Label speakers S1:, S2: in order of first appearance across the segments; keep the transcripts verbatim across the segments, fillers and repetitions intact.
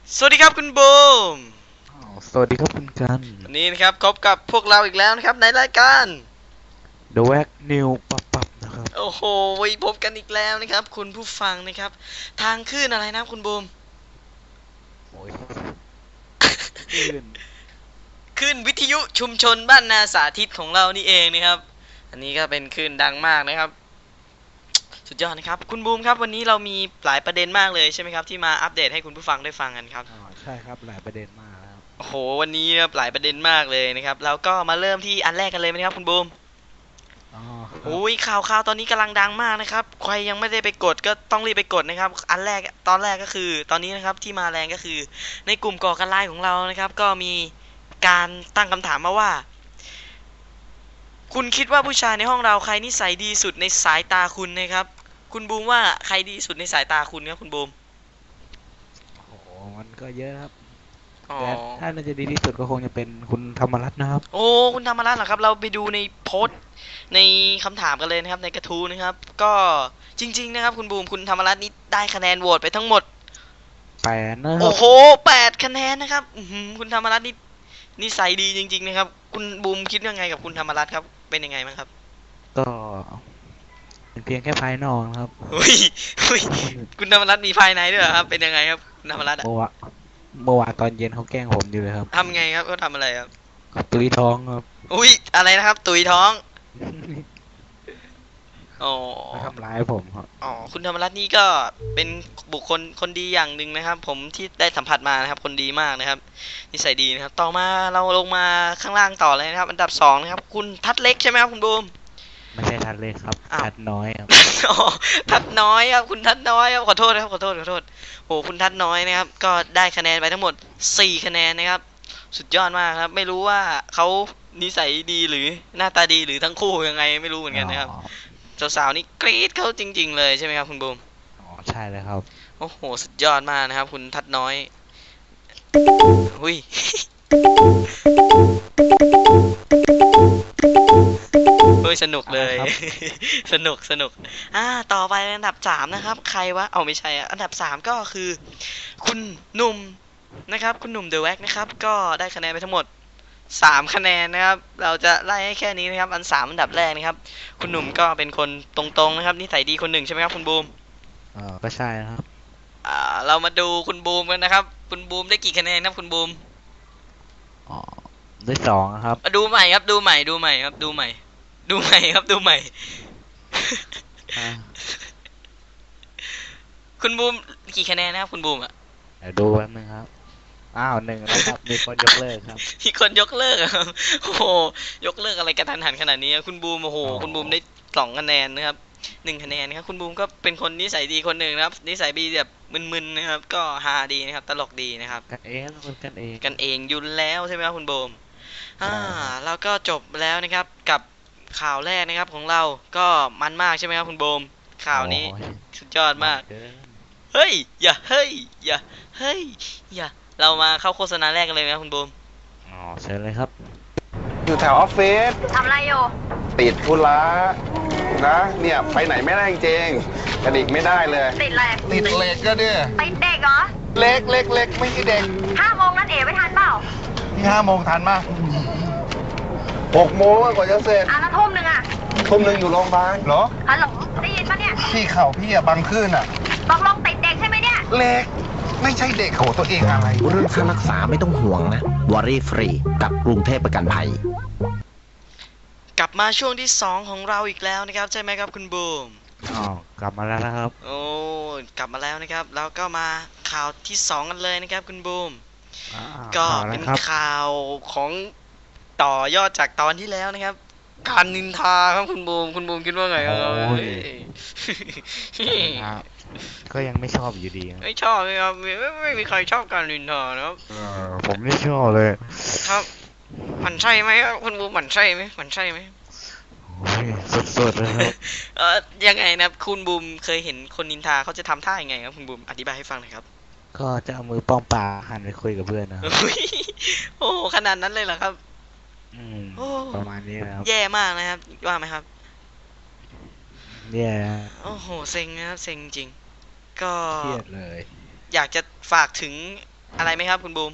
S1: สวัสดีครับคุณบูม
S2: อ้าวสวัสดีครับคุณกัน
S1: วันนี้นะครับพบกับพวกเราอีกแล้วนะครับในรายการ
S2: The Wack New ปับปับนะครับ
S1: โอ้โหพบกันอีกแล้วนะครับคุณผู้ฟังนะครับทางคลื่นอะไรนะคุณบูม
S2: โอ้ยอื่น
S1: คลื่นวิทยุชุมชนบ้านนาสาธิตของเรานี่เองนะครับอันนี้ก็เป็นคลื่นดังมากนะครับสุดยอดนะครับคุณบูมครับวันนี้เรามีหลายประเด็นมากเลยใช่ไหมครับที่มาอัปเดตให้คุณผู้ฟังได้ฟังกันครับ
S2: อ๋อใช่ครับหลายประเด็นมากครับ
S1: โอ้โหวันนี้ครับหลายประเด็นมากเลยนะครับแล้วก็มาเริ่มที่อันแรกกันเลยไหมครับคุณบูม
S2: อ๋อครับ
S1: โอ้ยข่าวข่าวตอนนี้กำลังดังมากนะครับใครยังไม่ได้ไปกดก็ต้องรีบไปกดนะครับอันแรกตอนแรกก็คือตอนนี้นะครับที่มาแรงก็คือในกลุ่มก่อการร้ายของเรานะครับก็มีการตั้งคำถามมาว่าคุณคิดว่าผู้ชายในห้องเราใครนิสัยดีสุดในสายตาคุณนะครับคุณบูมว่าใครดีสุดในสายตาคุณครับคุณบูม
S2: โอ้โหมันก็เยอะครับ
S1: อ๋อ
S2: แต่ถ้าน่าจะดีที่สุดก็คงจะเป็นคุณธรรมรัตน์นะครับ
S1: โอ้คุณธรรมรัตน์เหรอครับเราไปดูในโพสต์ในคำถามกันเลยนะครับในกระทู้นะครับก็จริงๆนะครับคุณบูมคุณธรรมรัตน์นี่ได้คะแนนโหวตไปทั้งหมด
S2: แปดนะครับ
S1: โอ้โหแปดคะแนนนะครับอือหือคุณธรรมรัตน์นี่นิสัยดีจริงๆนะครับคุณบูมคิดยังไงกับคุณธรรมรัตน์ครับเป็นยังไงบ้างครับ
S2: ก็เป็นเพียงแค่ภายนอกนะครับ
S1: เฮ้ยเฮ้ยคุณธรรมรัตน์มีภายในด้วยเหรอครับเป็นยังไงครับคุณธรรมรัตน์อะ
S2: เมื่อวานเมื่อวานตอนเย็นเขาแกล้งผมอยู่เลยครับ
S1: ทำไงครับเขาทำอะไรครับ
S2: ก็ตุยท้องครับ
S1: อุ้ยอะไรนะครับตุยท้องอ๋อ
S2: มาทำร้ายผมครับ
S1: อ๋อคุณธรรมรัตน์นี่ก็เป็นบุคคลคนดีอย่างหนึ่งนะครับผมที่ได้สัมผัสมานะครับคนดีมากนะครับนิสัยดีนะครับต่อมาเราลงมาข้างล่างต่อเลยนะครับอันดับสองนะครับคุณทัดเล็กใช่ไหมครับคุณบูม
S2: ไม่ใช่ทัดเลยครับ
S1: อ้าว
S2: ทัดน้อยครับ
S1: อ๋อทัดน้อยครับคุณทัดน้อยครับขอโทษนะครับขอโทษขอโทษโหคุณทัดน้อยนะครับก็ได้คะแนนไปทั้งหมดสี่คะแนนนะครับสุดยอดมากครับไม่รู้ว่าเขานิสัยดีหรือหน้าตาดีหรือทั้งคู่ยังไงไม่รู้เหมือน
S2: อ๋อ
S1: กันนะครับสาวๆนี่กรี๊ดเขาจริงๆเลยใช่ไหมครับคุณบูม
S2: อ๋อใช่เลยครับ
S1: โอ้โหสุดยอดมากนะครับคุณทัดน้อยหุยเฮ้ยสนุก
S2: อะไร
S1: เลย
S2: ครับ
S1: สนุกสนุกอ่าต่อไปอันดับสามนะครับใครวะเอาไม่ใช่อะอันดับสามก็คือคุณหนุ่มนะครับคุณหนุ่มเดอะแว็กนะครับก็ได้คะแนนไปทั้งหมดสามคะแนนนะครับเราจะไล่ให้แค่นี้นะครับอันสามอันดับแรกนะครับคุณหนุ่มก็เป็นคนตรงๆนะครับนิสัยดีคนหนึ่งใช่ไหมครับคุณบูม
S2: เออก็ใช่นะครับ
S1: อ่าเรามาดูคุณบูมกันนะครับคุณบูมได้กี่คะแนนครับคุณบูม
S2: อ๋อได้สองนะครับ
S1: มาดูใหม่ครับดูใหม่ดูใหม่ครับดูใหม่ดูใหม่ครับดูใหม่
S2: อ่า
S1: คุณบูมกี่คะแนนนะครับคุณบูมอ่ะ
S2: เดี๋ยวดูแป๊บนึงครับ อ้าวหนึ่งแล้วครับ มีคนยกเลิกครับ
S1: มีคนยกเลิกอะครับโอ้โหยกเลิกอะไรกระทันหันขนาดนี้อะคุณบูมโอ้โห
S2: อ๋อ
S1: คุณบูมได้สองคะแนนนะครับหนึ่งคะแนนนะครับคุณบูมก็เป็นคนนิสัยดีคนหนึ่งนะครับนิสัยดีแบบมึนๆนะครับก็ฮาดีนะครับตลกดีนะครับ
S2: กันเองคนกันเอง
S1: กันเองอยุ่นแล้วใช่ไหมครับคุณบูมอ่า
S2: ใช่ครับ
S1: แล้วก็จบแล้วนะครับกับข่าวแรกนะครับของเราก็มันมากใช่ไหมครับคุณบูมข่าว
S2: โอ้
S1: นี้
S2: ย
S1: สุดยอด
S2: มัน
S1: มาก
S2: เกิน
S1: เฮ้ยอย่าเฮ้ยอย่าเฮ้ยอย่าเรามาเข้าโฆษณาแรกกันเลยไหมครับคุณบูม
S2: อ๋อเชิญเลยครับ
S3: อยู่แถวออฟฟิศ
S4: ทำอะไรอยู่
S3: ติดธุระนะเนี่ยไปไหนไม่ได้จริงกระดิกไม่ได้เลย
S4: ติดอะไร
S3: ติดเหล็กก็เนี่ย
S4: ติดเด็กเหรอ
S3: เล็กเล็กเล็กไม่ใช่เด็ก
S4: ห้าโมงนัดเอ๋ไม่ทันเปล่า
S3: ที่ห้าโมงทันมากหกโมงกว่าจะเสร็จ
S4: อ่ะแล้วทุ่มหนึ่งอ่ะ
S3: ทุ่มหนึ่งอยู่โรงพยาบาลเหรอ
S4: ฮัลโหลได้ยินปะเนี่ย
S3: ที่เข่าพี่อะบังขึ้นอะ
S4: ตกลงติดเด็กใช่ไหมเนี่ย
S3: เล็กไม่ใช่เด็กโหตัวเองอะไร
S5: เรื่องค่ารักษาไม่ต้องห่วงนะวอรี่ฟรีกับกรุงเทพประกันภัย
S1: กลับมาช่วงที่สองของเราอีกแล้วนะครับใช่ไหมครับคุณบูม
S2: อ๋อกลับมาแล้วนะครับ
S1: โอ้กลับมาแล้วนะครับแล้วก็มาข่าวที่สองกันเลยนะครับคุณบูม
S2: อ่า
S1: ก็
S2: ข่าวอะไร
S1: เป็น
S2: ครับ
S1: ข่าวของต่อยอดจากตอนที่แล้วนะครับการนินทาครับคุณบูมคุณบูมคิดว่าไงครับ
S2: โอ้ย
S1: เฮ้ย
S2: ครับก็ยังไม่ชอบอยู่ดีครับ
S1: ไม่ชอบเลยครับไม่ไม่ไม่มีใครชอบการนินทานะครับ
S2: เออผมไม่ชอบเลย
S1: ครับหมันใช่ไหมครับคุณบูมหมันใช่ไหมหมันใช่ไหม
S2: โอ้ยสดๆเลยครับ
S1: เออยังไงนะคุณบูมเคยเห็นคนนินทาเขาจะทำท่ายังไงครับคุณบูมอธิบายให้ฟังหน่อยครับ
S2: ก็จะเอามือป้องปลาหันไปคุยกับเพื่อนนะครับ
S1: อุ๊ยโอ้ขนาดนั้นเลยเหรอครับ
S2: อืม
S1: โอ้
S2: ประมาณนี้นะครับ
S1: แย่มากนะครับว่าไหมครับ
S2: เนี่ยนะ
S1: โอ้โหเซ็งนะครับเซ็งจริงก็
S2: เครียดเลย
S1: อยากจะฝากถึงอะไรไหมครับคุณบูม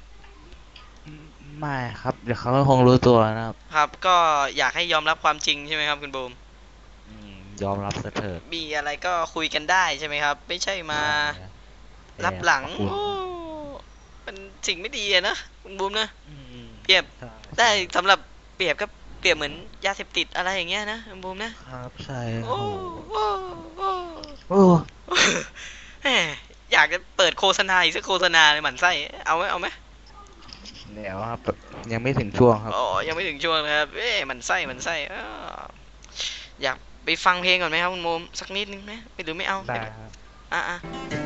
S2: ไม่ครับ เดี๋ยวเขาก็คงรู้ตัวนะครับ
S1: ครับก็อยากให้ยอมรับความจริงใช่ไหมครับคุณบูม
S2: อืมยอมรับซะเถิด
S1: มีอะไรก็คุยกันได้ใช่ไหมครับ ไม่ใช่มา
S2: เออ
S1: รับหลัง
S2: ขอบคุณ
S1: โอ้มันสิ่งไม่ดีอะนะคุณบูมนะ
S2: อืม
S1: เปรียบ
S2: ใช่
S1: ได้สำหรับเปรียบก็เปรียบเหมือนยาเสพติดอะไรอย่างเงี้ยนะคุณบูมนะครับ
S2: ใช่
S1: โอ้
S2: โอ้
S1: โอ้โอ้
S2: โอ้
S1: แหมอยากจะเปิดโฆษณาอีกสักโฆษณาเลยหมั่นไส้เอาไหมเอาไหม
S2: เดี๋ยวครับยังไม่ถึงช่วงครับ
S1: อ๋อยังไม่ถึงช่วงนะครับเอ๊ะหมันไส้หมันไส้อ้าวอยากไปฟังเพลงก่อนไหมครับคุณบูมสักนิดนึงไหมไม่หรือไม่เอา
S2: ได้ครับ
S1: อ่ะอ่ะ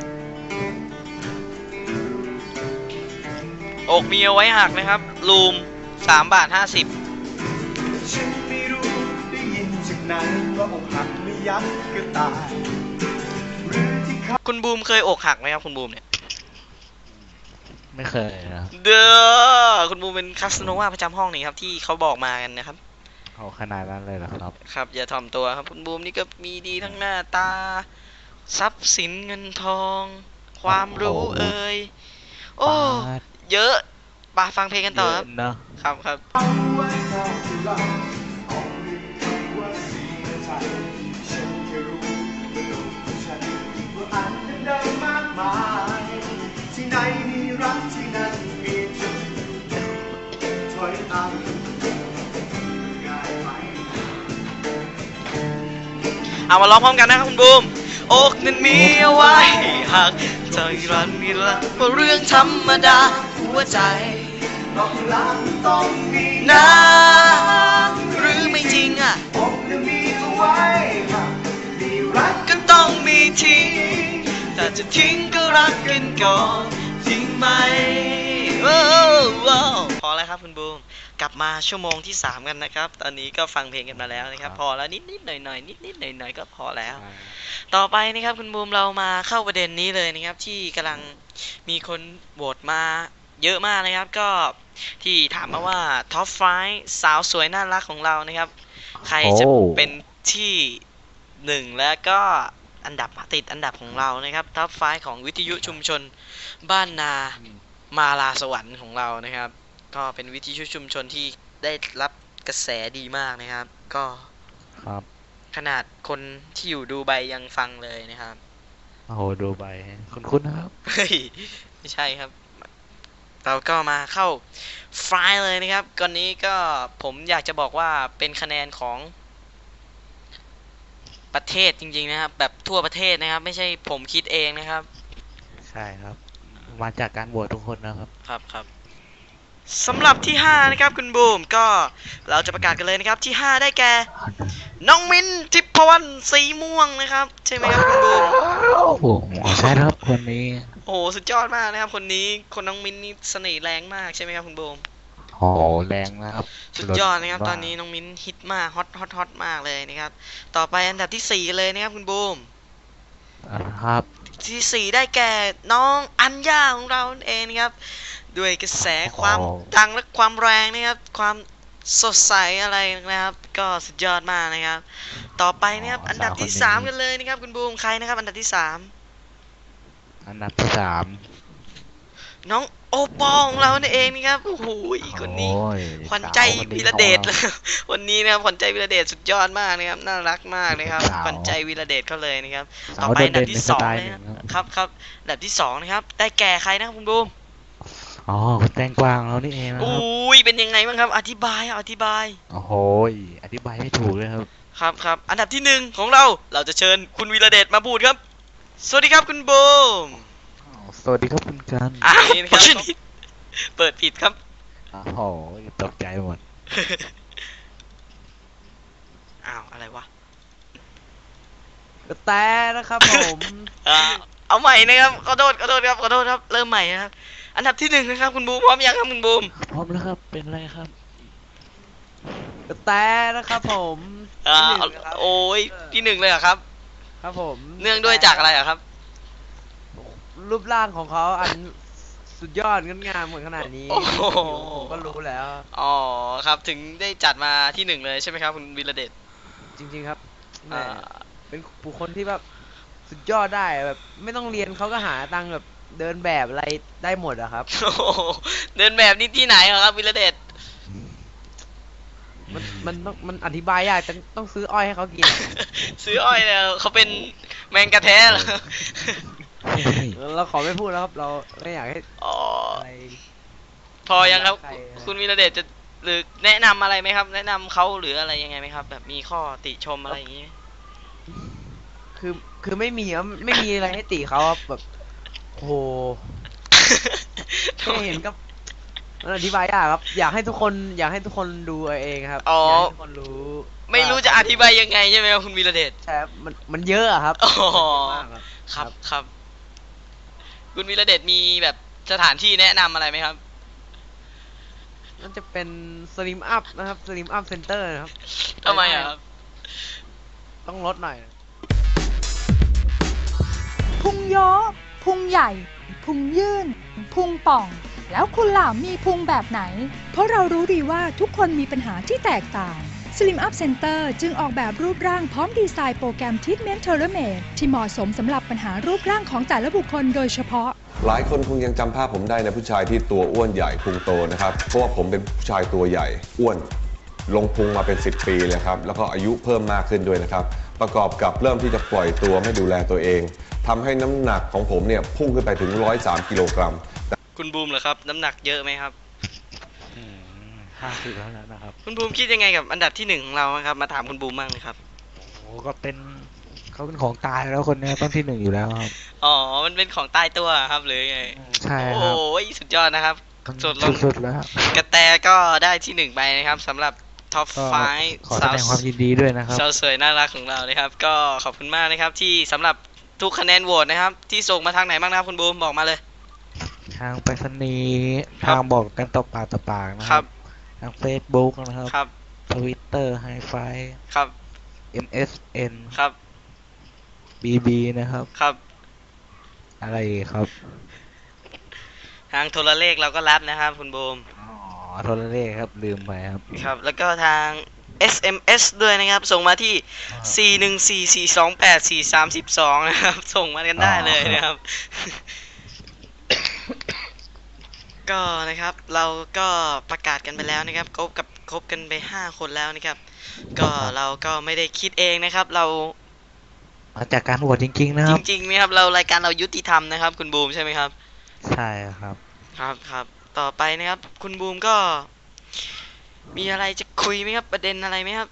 S1: อกมีเอาไว้หักนะครับลูมสามบาทห้าสิบ
S6: ฉันไม่รู้ได้ยินจากไหนว่าอกหักไม่ยักก็ตายหรือที่เขา
S1: คุณบูมเคยอกหักไหมครับคุณบูมเนี่ย
S2: ไม่เคยนะครับ
S1: เด้อคุณบูมเป็นคาสโนวาประจำห้องนี่ครับที่เขาบอกมากันนะครับ
S2: เอาขนาดนั้นเลยเหรอครับ
S1: ครับอย่าถ่อมตัวครับคุณบูมนี่ก็มีดีทั้งหน้าตา ทรัพย์สินเงินทอง ความรู้
S2: โอ้โห
S1: เอ่ยโอ้
S2: ปาด
S1: เยอะไปฟังเพลงกันต่อครับ
S2: เยอะเนอะ
S1: ครับครับ
S6: เอาไว้เท่าที่เราเอาหนึ่งคำว่าเสียใจฉันแค่รู้ว่าโลกของฉันว่าอันเป็นเดิมมากมายที่ไหนมีรักที่นั่นมีจุดถอยตามง่ายไหม
S1: เอามาร้องพร้อมกันนะครับคุณบูมอกนั้นมีเอาไว้หักใจรันมีละว่าเรื่องธรรมดาหัวใจ
S6: ต้องรักต้องมี
S1: นะหรือไม่จริงอ่ะ
S6: อกจะมีเอาไว้หากมีรัก
S1: ก็ต้องมีทิ้งแต่จะทิ้งก็รักกันก่อนจริงไหมโอ้โอ้พอแล้วครับคุณบูมกลับมาชั่วโมงที่สามกันนะครับ ตอนนี้ก็ฟังเพลงกันมาแล้วนะครับ พอแล้วนิดนิดหน่อยหน่อยนิดนิดหน่อยหน่อยก็พอแล้ว ต่อไปนะครับคุณบูมเรามาเข้าประเด็นนี้เลยนะครับ ที่กำลังมีคนโหวตมาเยอะมากนะครับ ก็ที่ถามมาว่าท็อปไฟสาวสวยน่ารักของเรานะครับ ใครจะ
S2: โอ้
S1: เป็นที่หนึ่งแล้วก็อันดับติดอันดับของเรานะครับท็อปไฟของวิทยุชุมชนบ้านนามาลาสวรรค์ของเรานะครับ ก็เป็นวิทยุชุมชนที่ได้รับกระแสดีมากนะครับ ก็
S2: ครับ
S1: ขนาดคนที่อยู่ดูไบยังฟังเลยนะครับ
S2: โอ้โหดูใบคุณคุณนะครับ
S1: เฮ้ย ไม่ใช่ครับ เราก็มาเข้าไฟล์เลยนะครับก่อนนี้ก็ผมอยากจะบอกว่าเป็นคะแนนของประเทศจริงๆนะครับ แบบทั่วประเทศนะครับ ไม่ใช่ผมคิดเองนะครับ
S2: ใช่ครับ มาจากการโหวตทุกคนนะครับ
S1: ครับครับสำหรับที่ห้านะครับคุณบูมก็เราจะประกาศกันเลยนะครับที่ห้าได้แก่น้องมิ้นทิพวรรณสีม่วงนะครับใช่ไหมครับคุณบูม
S2: โอ้โหใช่ครับคนนี้
S1: โอ้โหสุดยอดมากนะครับคนนี้คนน้องมิ้นนี่เสน่ห์แรงมากใช่ไหมครับคุณบูม
S2: โอ้โหแรงนะครับ
S1: สุดยอดนะครับตอนนี้น้องมิ้นฮิตมากฮอตฮอตฮอตมากเลยนะครับต่อไปอันดับที่สี่กันเลยนะครับคุณบูม
S2: อ่าครับ
S1: ที่สี่ได้แก่น้องอัญญาของเราเองนะครับด้วยกระแสความ
S2: โอ้
S1: ดังและความแรงนะครับความสดใสอะไรนะครับ ก็สุดยอดมากนะครับ ต่อไปนะครับอันดับที่สามกันเลยนะครับคุณบูมใครนะครับอันดับที่สาม
S2: อันดับที่สาม
S1: น้องโอปอของเรานั่นเองนะครับโอ้โหคนนี้
S2: โอ้ย
S1: ขวัญใจ
S2: สาวคนนี้
S1: วีระเดช
S2: ของรา
S1: วันนี้นะครับขวัญใจวีระเดชสุดยอดมากนะครับน่ารักมากนะครับ
S2: สาว
S1: ขวัญใจวีระเดชเขาเลยนะครับ
S2: สาว
S1: ต่อไปอันดับที่สอง
S2: โดดเด่นในสไตล์
S1: นะ
S2: หนึ่งครับ
S1: ครับครับอันดับที่สองนะครับ ได้แก่ใครนะครับคุณบูม
S2: อ๋อคุณแตงกวางเรานี่เองนะค
S1: อุ้
S2: รับ
S1: ยเป็นยังไงบ้างครับ อธิบายอ่ะอธิบาย
S2: โอ้โหอธิบายไม่ถูกเลยครับ
S1: ครับครับอันดับที่หนึ่งของเราเราจะเชิญคุณวีระเดชมาพูดครับ สวัสดีครับคุณบูม
S2: สวัสดีครับคุณกัน
S1: อ่านี่นะครับเปิดผิดครับ
S2: โอ้โหตกใจหมด
S1: อ้าวอะไรวะ
S7: แต่นะครับผม
S1: อ่าเอาใหม่นะครับขอโทษขอโทษครับขอโทษครับเริ่มใหม่นะครับอันดับที่หนึ่งนะครับคุณบูมพร้อมยังครับคุณบูม
S2: พร้อมแล้วครับเป็นไรครับ
S7: แต่นะครับผม
S1: อ่า
S7: ที่หนึ่งนะครับ
S1: โอ้ยที่หนึ่งเลยเหรอครับ
S7: ครับผม
S1: เนื่องด้วยจากอะไรเหรอครับ
S7: รูปร่างของเขาอันสุดยอดงดงามเหมือนขนาดนี้
S1: โอ้โห
S7: ผมก็รู้แล้ว
S1: อ๋อครับถึงได้จัดมาที่หนึ่งเลยใช่ไหมครับคุณวีระเดช
S7: จริงๆครับแหม
S1: อ่า
S7: เป็นบุคคลที่แบบสุดยอดได้แบบ ไม่ต้องเรียนเขาก็หาตังค์แบบเดินแบบอะไรได้หมดอะครับ
S1: โอ้โหเดินแบบนี่ที่ไหนเหรอครับวิรเดช
S7: มันมันต้องมันอธิบายยากต้องต้องซื้ออ้อยให้เขากินอะ
S1: ซื้ออ้อยเนี่ยเขาเป็นแมงกะแท้เหรอ
S7: เราขอไม่พูดแล้วครับ เราไม่อยากให้
S1: อ๋อ
S7: อะไร
S1: พอยังครับ
S7: ใครนะ
S1: คุณวิรเดชจะหรือแนะนำอะไรไหมครับ แนะนำเขาหรืออะไรยังไงไหมครับ แบบมีข้อติชมอะไรอย่างงี้ไหม
S7: คือคือไม่มีครับไม่มีอะไรให้ติเขาครับแบบโอ้โหแค่เห็นก็มันอธิบายยากครับ อยากให้ทุกคน อยากให้ทุกคนดูเอาเองครับ
S1: อ๋ออย
S7: ากให้ทุกคนรู้
S1: ไม่รู้จะอธิบายยังไงใช่ไหมครับคุณวีระเดช
S7: ใช่ครับมันมันเยอะอะครับ
S1: อ๋อ
S7: มันเยอะมากครับ
S1: ครับครับ คุณวีระเดชมีแบบสถานที่แนะนำอะไรไหมครับ
S7: มันจะเป็นสลิมอัพนะครับสลิมอัพเซ็นเตอร์นะครับ
S1: ทำไมอะครับ
S7: ต้องลดหน่อย
S8: พุงโยะพุงใหญ่ พุงยื่น พุงป่อง แล้วคุณล่ะมีพุงแบบไหน เพราะเรารู้ดีว่าทุกคนมีปัญหาที่แตกต่าง Slim Up Center จึงออกแบบรูปร่างพร้อมดีไซน์โปรแกรม Treatment Tailor-made ที่เหมาะสมสำหรับปัญหารูปร่างของแต่ละบุคคลโดยเฉพาะ
S9: หลายคนคงยังจำภาพผมได้นะผู้ชายที่ตัวอ้วนใหญ่พุงโตนะครับ เพราะว่าผมเป็นผู้ชายตัวใหญ่อ้วน ลงพุงมาเป็นสิบปีเลยครับแล้วก็อายุเพิ่มมากขึ้นด้วยนะครับประกอบกับเริ่มที่จะปล่อยตัวไม่ดูแลตัวเองทำให้น้ำหนักของผมเนี่ยพุ่งขึ้นไปถึงหนึ่งร้อยสามกิโลกรัม
S1: คุณบูมเหรอครับ น้ำหนักเยอะไหมครับ
S2: ห้าสิบแล้วนะครับ
S1: คุณบูมคิดยังไงกับอันดับที่หนึ่งของเราครับ มาถามคุณบูมบ้างเลยครับ
S2: โอ้ก็เป็นเขาเป็นของตายแล้วคนเนี้ยต้นที่หนึ่งอยู่แล้วครับ
S1: อ๋อ มันเป็นของตายตัวครับหรือไง
S2: ใช่ครับ
S1: โอ้ยสุดยอดนะครับ สุดลง
S2: สุดๆแล้ว
S1: กระแตก็ได้ที่หนึ่งไปนะครับสำหรับท็อป
S2: ก็
S1: ไฟ
S2: ขอแสดงความยินดีด้วยนะครับ
S1: สาวสวยน่ารักของเรานะครับ ก็ขอบคุณมากนะครับ ที่สำหรับทุกคะแนนโหวตนะครับ ที่ส่งมาทางไหนบ้างนะครับคุณบูมบอกมาเลย
S2: ทางไปรษณีย์
S1: ครับ
S2: ทางบอกกันต่อปากต่อปากนะ
S1: ค
S2: ค
S1: รั
S2: รับ บ ทาง Facebook นะครับ
S1: ครับ
S2: ทวิตเตอร์ไฮไฟ
S1: ครับ
S2: เอ็ม เอส เอ็น
S1: ครับ
S2: บี บี นะครับ
S1: ครับ
S2: อะไรอีกครับ
S1: ทางโทรเลขเราก็รับนะครับคุณบูม
S2: อ๋อโทรเลขครับลืมไปครับ
S1: ครับ แล้วก็ทาง เอส เอ็ม เอส ด้วยนะครับ ส่งมาที่ สี่ หนึ่ง สี่ สี่ สอง แปด สี่ สาม สอง นะครับ ส่งมากันได้เลยนะครับ ก็นะครับ เราก็ประกาศกันไปแล้วนะครับครบกับครบกันไปห้าคนแล้วนะครับ ก็เราก็ไม่ได้คิดเองนะครับ เรา
S2: มาจากการโหวตจริงๆนะค
S1: จ
S2: รับ
S1: ริงๆนะครับ เรารายการเรายุติธรรมนะครับ คุณบูมใช่ไหมครับ
S2: ใช่ครับ
S1: ครับครับต่อไปนะครับ คุณบูมก็ มีอะไรจะคุยไหมครับ ประเด็นอะไรไหมครับ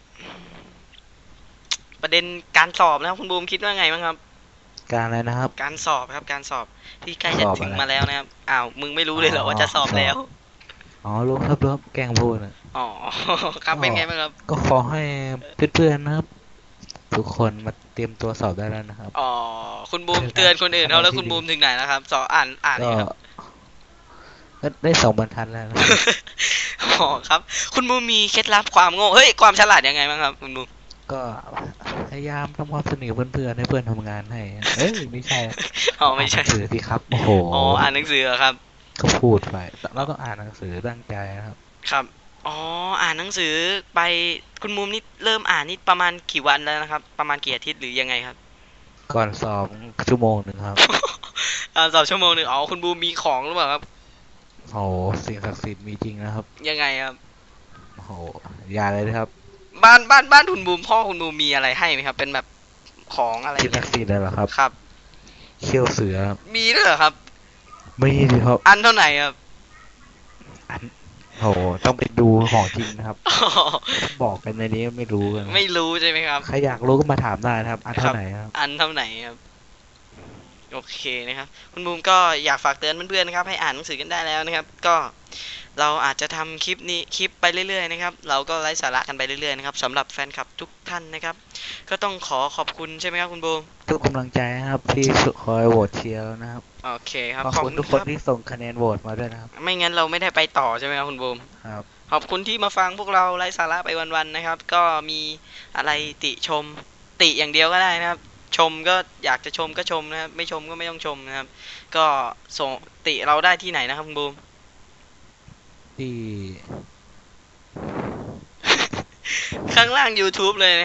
S1: ประเด็นการสอบนะครับคุณบูมคิดว่าไงบ้างครับ
S2: การอะไรนะครับ
S1: การสอบครับการสอบที่ใกล้จะ
S2: สอบ
S1: ถึง
S2: อะไร
S1: มาแล้วนะครับอ้าวมึงไม่รู้เลยเหรอว่าจะสอบแล้ว
S2: อ๋อรู้ครับรู้ครับแกล้งพูดนะ
S1: อ๋อ ครับเป็นไงบ้างครับ
S2: ก็ขอให้เพื่อนๆนะครับ ทุกคนมาเตรียมตัวสอบได้แล้วนะครับ
S1: อ๋อคุณบูมเตือนคนอื่นเขาแล้วคุณบูมถึงไหนแล้วครับสอบอ่านอ่าน
S2: ก็
S1: นี่ครับ
S2: ก็ได้สองบรรทัดแล้วนะครับ
S1: อ๋อครับ คุณบูมมีเคล็ดลับความโง่เฮ้ยความฉลาดยังไงบ้างครับคุณบูม
S2: ก็พยายามทำความสนิทกับเพื่อนๆให้เพื่อนทำงานให้เอ้ยไม่ใช่
S1: อ๋อไม่ใช่
S2: านหนังสือสิครับโอ้โห
S1: อ๋ออ่านหนังสือเหรอครับ
S2: ก็พูดไปแล้วก็อ่านหนังสือตั้งใจนะครับ
S1: ครับ อ๋อ อ่านหนังสือไป คุณมุมนี่เริ่มอ่านนี่ประมาณกี่วันแล้วนะครับ ประมาณกี่อาทิตย์หรือยังไงครับ
S2: ก่อนสอบชั่วโมงหนึ่งครับ
S1: อ่านสอบชั่วโมงหนึ่งอ๋อ คุณบูมมีของหรือเปล่าครับ
S2: โอ้โหสิ่งศักดิ์สิทธิ์มีจริงนะครับ
S1: ยังไงครับ
S2: โอ้โหอย่าเลยนะครับ
S1: บ้านบ้านบ้านคุณบูมพ่อคุณบูมมีอะไรให้ไหมครับ เป็นแบบของอะไร
S2: สิ่งศักดิ์สิทธิ์เลยเหรอครับ
S1: ครับ
S2: เขี้ยวเสือครับ
S1: มีด้วยเหรอครับ
S2: ไม่ดีครับ
S1: อันเท่าไหร่ครับ
S2: อันโอ้โหต้องไปดูของจริงนะครับ
S1: อ๋อ
S2: บอกกันในนี้ไม่รู้กันนะ
S1: ไม่รู้ใช่ไหมครับ
S2: ใครอยากรู้ก็มาถามได้นะครับ อันเท่าไหร่ครับ
S1: อันเท่าไหร่ครับ โอเคนะครับ คุณบูมก็อยากฝากเตือนเพื่อนๆนะครับ ให้อ่านหนังสือกันได้แล้วนะครับ ก็เราอาจจะทำคลิปนี้คลิปไปเรื่อยๆนะครับ เราก็ไร้สาระกันไปเรื่อยๆนะครับสำหรับแฟนคลับทุกท่านนะครับ ก็ต้องขอขอบคุณใช่ไหมครับคุณบูม
S2: ทุกกำลังใจนะครับที่คอยโหวตเชียร์นะครับ
S1: โอเคครับ
S2: ขอบคุณทุกคน
S1: รับ
S2: ที่ส่งคะแนนโหวตมาด้วยนะครับ
S1: ไม่งั้นเราไม่ได้ไปต่อใช่ไหมครับคุณบูม
S2: ครับ
S1: ขอบคุณที่มาฟังพวกเราไร้สาระไปวันๆนะครับ ก็มีอะไรติชม ติอย่างเดียวก็ได้นะครับ ชมก็อยากจะชมก็ชมนะครับ ไม่ชมก็ไม่ต้องชมนะครับ ก็ส่งติเราได้ที่ไหนนะครับคุณบูม
S2: ที่
S1: ข้างล่าง YouTube เลยนะครับ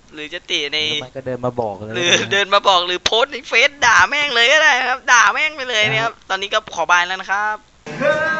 S1: หรือจะติใน
S2: แล้วมันก็เดินมาบอกเลย
S1: หรือเดินมาบอกหรือโพสต์ในเฟซด่าแม่งเลยก็ได้ครับด่าแม่งไปเลยนะครับตอนนี้ก็ขอบายแล้วนะครับ
S6: เฮ้